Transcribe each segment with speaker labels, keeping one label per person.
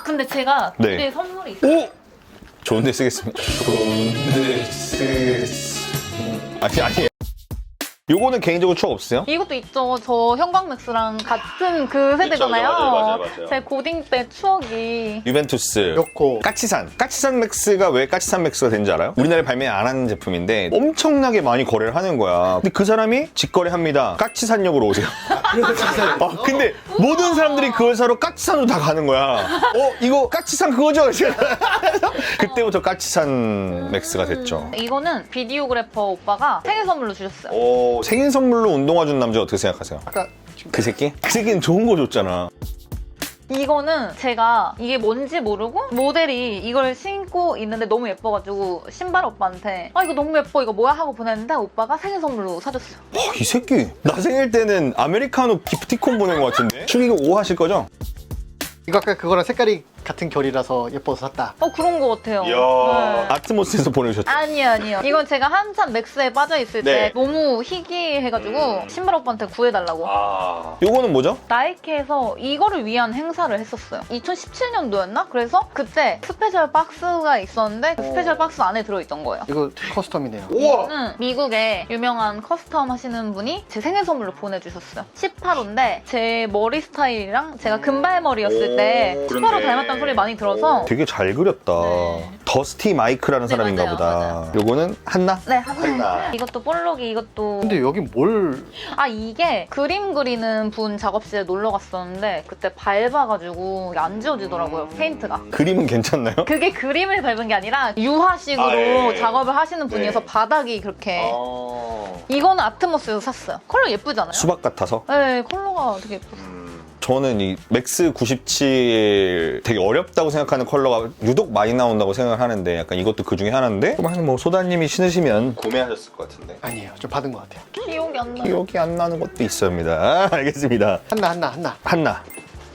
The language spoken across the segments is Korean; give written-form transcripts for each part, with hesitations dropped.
Speaker 1: 근데 제가
Speaker 2: 네.
Speaker 1: 네. 선물이 있어요.
Speaker 2: 오! 좋은데 쓰겠습니다. 좋은데 쓰겠습니다. 아니. 요거는 개인적으로 추억 없으세요?
Speaker 1: 이것도 있죠. 저 형광맥스랑 같은 그 세대잖아요.
Speaker 2: 맞아요.
Speaker 1: 제 고딩 때 추억이.
Speaker 2: 유벤투스,
Speaker 3: 였고
Speaker 2: 까치산 맥스가 왜 까치산 맥스가 된지 알아요? 우리나라에 발매 안 하는 제품인데 엄청나게 많이 거래를 하는 거야. 근데 그 사람이 직거래합니다. 까치산역으로 오세요. 근데 모든 사람들이 그걸 사러 까치산으로 다 가는 거야. 이거 까치산 그거죠? 그때부터 까치산 맥스가 됐죠.
Speaker 1: 이거는 비디오그래퍼 오빠가 생일 선물로 주셨어요.
Speaker 2: 생일 선물로 운동화 준 남자 어떻게 생각하세요?
Speaker 3: 아까
Speaker 2: 그 새끼? 그 새끼는 좋은 거 줬잖아.
Speaker 1: 이거는 제가 이게 뭔지 모르고 모델이 이걸 신고 있는데 너무 예뻐가지고 신발 오빠한테 이거 너무 예뻐 이거 뭐야 하고 보냈는데 오빠가 생일 선물로 사줬어요.
Speaker 2: 이 새끼 나 생일 때는 아메리카노 기프티콘 보낸 것 같은데? 축의금 5 하실 거죠?
Speaker 3: 이거 아까 그거랑 색깔이 같은 결이라서 예뻐서 샀다.
Speaker 1: 그런 거 같아요. 네.
Speaker 2: 아트모스에서 보내주셨죠?
Speaker 1: 아니요. 이건 제가 한참 맥스에 빠져있을
Speaker 2: 네.
Speaker 1: 때 너무 희귀해가지고 신발 오빠한테 구해달라고.
Speaker 2: 요거는 뭐죠?
Speaker 1: 나이키에서 이거를 위한 행사를 했었어요. 2017년도였나? 그래서 그때 스페셜 박스가 있었는데 그 스페셜 박스 안에 들어있던 거예요.
Speaker 3: 이거 커스텀이네요.
Speaker 1: 이거는 미국의 유명한 커스텀 하시는 분이 제 생일 선물로 보내주셨어요. 18호인데 제 머리 스타일이랑 제가 금발머리였을 때 18호 닮았다는 소리 많이 들어서
Speaker 2: 되게 잘 그렸다.
Speaker 1: 네.
Speaker 2: 더스티 마이크라는
Speaker 1: 네,
Speaker 2: 사람인가
Speaker 1: 맞아요,
Speaker 2: 보다.
Speaker 1: 맞아요.
Speaker 2: 요거는 한나?
Speaker 1: 네, 하나. 이것도 볼록이 이것도
Speaker 3: 근데 여기 뭘
Speaker 1: 이게 그림 그리는 분 작업실에 놀러 갔었는데 그때 밟아가지고 이게 안 지워지더라고요, 페인트가.
Speaker 2: 그림은 괜찮나요?
Speaker 1: 그게 그림을 밟은 게 아니라 유화식으로
Speaker 2: 예.
Speaker 1: 작업을 하시는 분이어서
Speaker 2: 네.
Speaker 1: 바닥이 그렇게. 이거는 아트모스에서 샀어요. 컬러 예쁘잖아요?
Speaker 2: 수박 같아서?
Speaker 1: 네, 컬러가 되게 예뻤어요.
Speaker 2: 저는 이 맥스 97 되게 어렵다고 생각하는 컬러가 유독 많이 나온다고 생각을 하는데 약간 이것도 그 중에 하나인데 뭐 소다님이 신으시면 구매하셨을 것 같은데
Speaker 3: 아니에요. 좀 받은 것 같아요.
Speaker 1: 기억이 안 나요.
Speaker 2: 기억이 안 나는 것도 있습니다. 알겠습니다.
Speaker 3: 한나.
Speaker 2: 한나.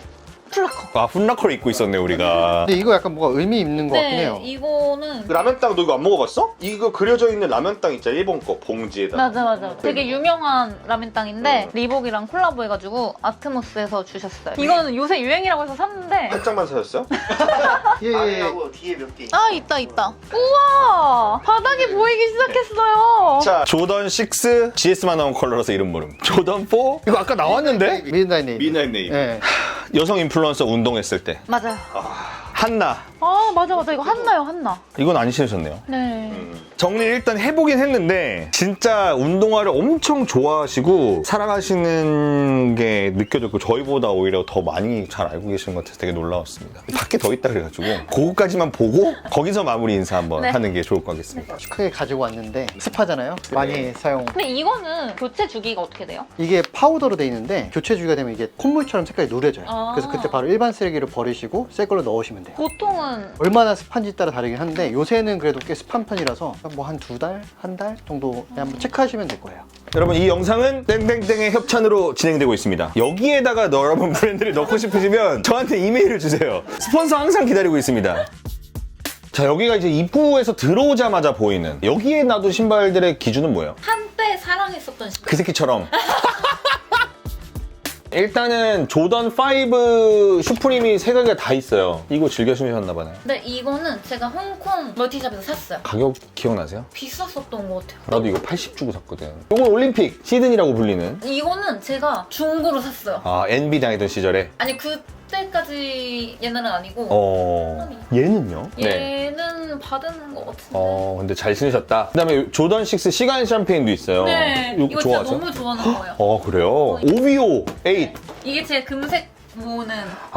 Speaker 1: 플라커.
Speaker 2: 훗라커를 입고 있었네 우리가.
Speaker 3: 근데 이거 약간 뭐가 의미 있는 것 같긴
Speaker 1: 네,
Speaker 3: 해요.
Speaker 1: 이거는
Speaker 2: 라면땅 너 이거 안 먹어봤어? 이거 그려져 있는 라면땅 있잖아 일본 거 봉지에다.
Speaker 1: 맞아. 되게 유명한 라면땅인데 리복이랑 콜라보해가지고 아트모스에서 주셨어요. 이거는 요새 유행이라고 해서 샀는데
Speaker 2: 한 장만 사셨어요?
Speaker 3: 예.
Speaker 4: 뒤에 몇 개.
Speaker 1: 있다. 우와! 바닥이 보이기 시작했어요.
Speaker 2: 자 조던 6 GS만 나온 컬러라서 이름 모름. 조던 4 이거 아까 나왔는데?
Speaker 3: 미드나잇 네이비.
Speaker 2: 미나잇 네이비.
Speaker 3: 예.
Speaker 2: 여성 인플루언서 운동했을 때
Speaker 1: 맞아요.
Speaker 2: 한나.
Speaker 1: 맞아. 이거 한나요, 한나.
Speaker 2: 이건 안 신으셨네요.
Speaker 1: 네.
Speaker 2: 정리를 일단 해보긴 했는데 진짜 운동화를 엄청 좋아하시고 사랑하시는 게 느껴졌고 저희보다 오히려 더 많이 잘 알고 계시는 것 같아서 되게 놀라웠습니다. 밖에 더 있다 그래가지고 그거까지만 보고 거기서 마무리 인사 한번
Speaker 1: 네.
Speaker 2: 하는 게 좋을 것 같겠습니다.
Speaker 3: 크게 가지고 왔는데 습하잖아요. 많이 사용.
Speaker 1: 근데 이거는 교체 주기가 어떻게 돼요?
Speaker 3: 이게 파우더로 돼 있는데 교체 주기가 되면 이게 콧물처럼 색깔이 누래져요.
Speaker 1: 아.
Speaker 3: 그래서 그때 바로 일반 쓰레기를 버리시고 새 걸로 넣으시면 돼요.
Speaker 1: 보통은
Speaker 3: 얼마나 습한지 따라 다르긴 한데 요새는 그래도 꽤 습한 편이라서 뭐 한 2달? 한 달 정도 그냥 한번 체크하시면 될 거예요.
Speaker 2: 여러분 이 영상은 땡땡땡의 협찬으로 진행되고 있습니다. 여기에다가 여러분 브랜드를 넣고 싶으시면 저한테 이메일을 주세요. 스폰서 항상 기다리고 있습니다. 자 여기가 이제 입구에서 들어오자마자 보이는 여기에 놔둔 신발들의 기준은 뭐예요?
Speaker 1: 한때 사랑했었던 신발.
Speaker 2: 그 새끼처럼 일단은 조던 5 슈프림이 세 가지가 다 있어요. 이거 즐겨 신으셨나 봐요.
Speaker 1: 근데 이거는 제가 홍콩 멀티샵에서 샀어요.
Speaker 2: 가격 기억나세요?
Speaker 1: 비쌌었던 것 같아요.
Speaker 2: 나도 이거 80 주고 샀거든. 이건 올림픽 시드니라고 불리는
Speaker 1: 이거는 제가 중고로 샀어요.
Speaker 2: NB 다니던 시절에
Speaker 1: 아니 그때까지 얘는 아니고
Speaker 2: 얘는요?
Speaker 1: 얘는 받은 것 같은데.
Speaker 2: 근데 잘 신으셨다. 그 다음에 조던 6 시간 샴페인도 있어요.
Speaker 1: 네, 이거 진짜
Speaker 2: 좋아하세요?
Speaker 1: 너무 좋아하는 거예요.
Speaker 2: 그래요? OVO 8.
Speaker 1: 이게 제 금색 모으는.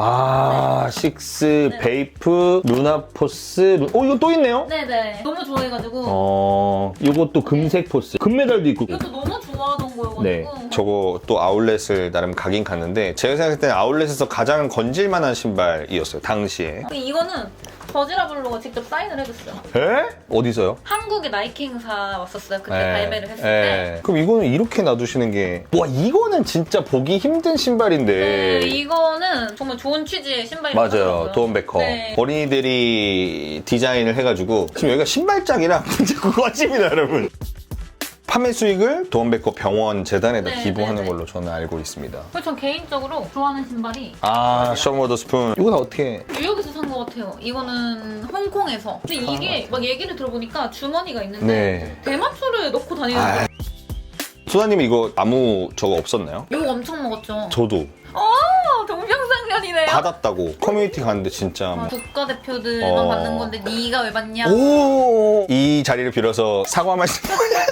Speaker 2: 6, 베이프, 루나포스. 이거 또 있네요?
Speaker 1: 네네. 너무 좋아해가지고.
Speaker 2: 이것도 금색 포스. 금메달도 있고.
Speaker 1: 이것도 너무 좋아하던 거여가지고.
Speaker 2: 네. 저거 또 아울렛을 나름 가긴 갔는데 제가 생각할 때는 아울렛에서 가장 건질만한 신발이었어요. 당시에.
Speaker 1: 근데 이거는 버지라블로가 직접 사인을 해줬어요.
Speaker 2: 에? 어디서요?
Speaker 1: 한국에 나이키 행사 왔었어요. 그때
Speaker 2: 네.
Speaker 1: 발매를 했을 때.
Speaker 2: 그럼 이거는 이렇게 놔두시는 게 와 이거는 진짜 보기 힘든 신발인데
Speaker 1: 네, 이거는 정말 좋은 취지의 신발이
Speaker 2: 맞아요. 도움베커.
Speaker 1: 네.
Speaker 2: 어린이들이 디자인을 해가지고 지금 여기가 신발장이라 문제 그거집니다 여러분. 판매 수익을 도원백과 병원 재단에다
Speaker 1: 네,
Speaker 2: 기부하는
Speaker 1: 네, 네.
Speaker 2: 걸로 저는 알고 있습니다.
Speaker 1: 그래서 전 개인적으로 좋아하는 신발이
Speaker 2: 아, 션 워더스푼. 이건 어떻게?
Speaker 1: 뉴욕에서 산 것 같아요. 이거는 홍콩에서. 근데 이게 막 얘기를 들어보니까 주머니가 있는데
Speaker 2: 네.
Speaker 1: 대마초를 넣고 다니는
Speaker 2: 아.
Speaker 1: 거예요.
Speaker 2: 소다님 이거 아무 저거 없었나요?
Speaker 1: 욕 엄청 먹었죠.
Speaker 2: 저도
Speaker 1: 동병상련이네요.
Speaker 2: 받았다고 커뮤니티 갔는데 진짜 뭐.
Speaker 1: 국가대표들만 받는 건데 네가 왜 받냐?
Speaker 2: 오! 이 자리를 빌어서 사과 말씀.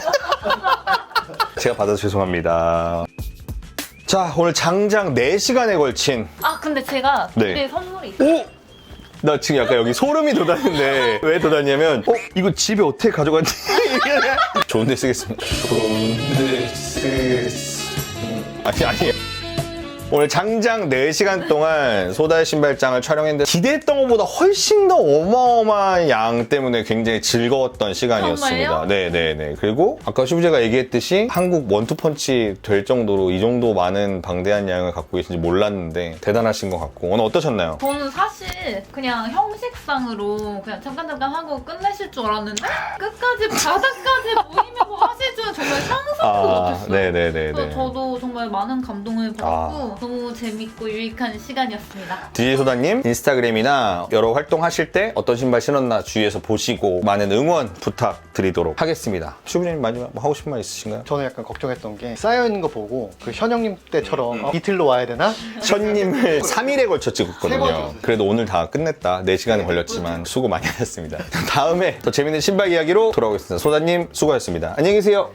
Speaker 2: 제가 받아서 죄송합니다. 자, 오늘 장장 4시간에 걸친.
Speaker 1: 아 근데 제가
Speaker 2: 네.
Speaker 1: 집에 선물이 있어요.
Speaker 2: 오! 나 지금 약간 여기 소름이 돋았는데 왜 돋았냐면 이거 집에 어떻게 가져갔지? 좋은데 쓰겠습니다. 좋은데 쓰겠습니다. 아니 오늘 장장 4시간 동안 소다의 신발장을 촬영했는데 기대했던 것보다 훨씬 더 어마어마한 양 때문에 굉장히 즐거웠던 시간이었습니다.
Speaker 1: 정말요?
Speaker 2: 네네네. 그리고 아까 슈브제가 얘기했듯이 한국 원투펀치 될 정도로 이 정도 많은 방대한 양을 갖고 계신지 몰랐는데 대단하신 것 같고 오늘 어떠셨나요?
Speaker 1: 저는 사실 그냥 형식상으로 그냥 잠깐 하고 끝내실 줄 알았는데 끝까지 바닥까지 모이면서 하실 줄은 정말 상상도 못했어요.
Speaker 2: 네네네네.
Speaker 1: 그래서 저도 정말 많은 감동을 받았고 너무 재밌고 유익한 시간이었습니다.
Speaker 2: DJ 소다님 인스타그램이나 여러 활동하실 때 어떤 신발 신었나 주위에서 보시고 많은 응원 부탁드리도록 하겠습니다. 슈브제님 마지막 뭐 하고 싶은 말 있으신가요?
Speaker 3: 저는 약간 걱정했던 게 쌓여있는 거 보고 그 현영님 때처럼 이틀로 와야 되나?
Speaker 2: 션님을 3일에 걸쳐
Speaker 3: 세 번
Speaker 2: 찍었거든요.
Speaker 3: 찍었어요.
Speaker 2: 그래도 오늘 다 끝냈다. 4시간이 걸렸지만 수고 많이 하셨습니다. 다음에 더 재밌는 신발 이야기로 돌아오겠습니다. 소다님 수고하셨습니다. 안녕히 계세요.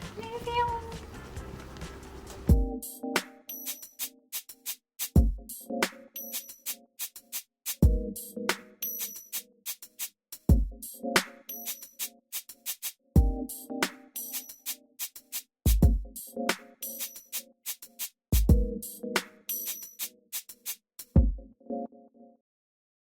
Speaker 1: 안녕히 계세요.